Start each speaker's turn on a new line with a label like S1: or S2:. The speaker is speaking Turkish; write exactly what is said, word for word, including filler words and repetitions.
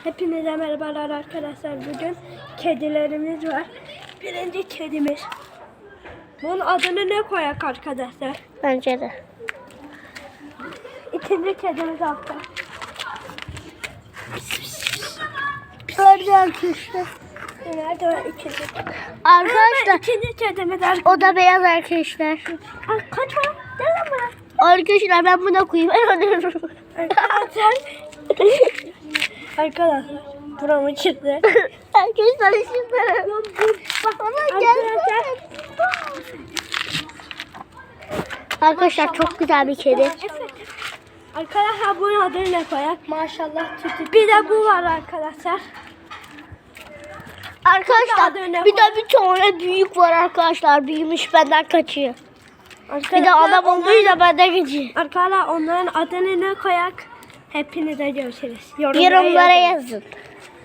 S1: Hepinize merhabalar arkadaşlar. Bugün kedilerimiz var. Birinci kedimiz. Bunun adını ne koyak arkadaşlar?
S2: Bence de.
S1: İkinci kedimiz altta.
S2: Öyle arkadaşlar.
S1: Nerede var ikinci?
S2: Arkadaşlar
S1: İkinci kedimiz arkadaşlar.
S2: o da beyaz arkadaşlar.
S1: Ay, kaçma. Gel lan buraya.
S2: Arkadaşlar ben buna koyayım. Ben alıyorum.
S1: Arkadaşlar. Arkadaşlar. Buramı çıktı.
S2: Arkadaşlar şimdi. Bana gel. Arkadaşlar çok güzel bir kedi.
S1: Arkadaşlar bunun adını ne koyak?
S2: Maşallah.
S1: Bir de bu var arkadaşlar.
S2: Arkadaşlar
S1: Adı ne
S2: bir de bir tane büyük var arkadaşlar. Büyümüş benden kaçıyor. Bir de adam olduğuyla benden kaçıyor.
S1: Arkadaşlar onların adını ne koyak? Hepinize görüşürüz.
S2: Yorumlara yazın.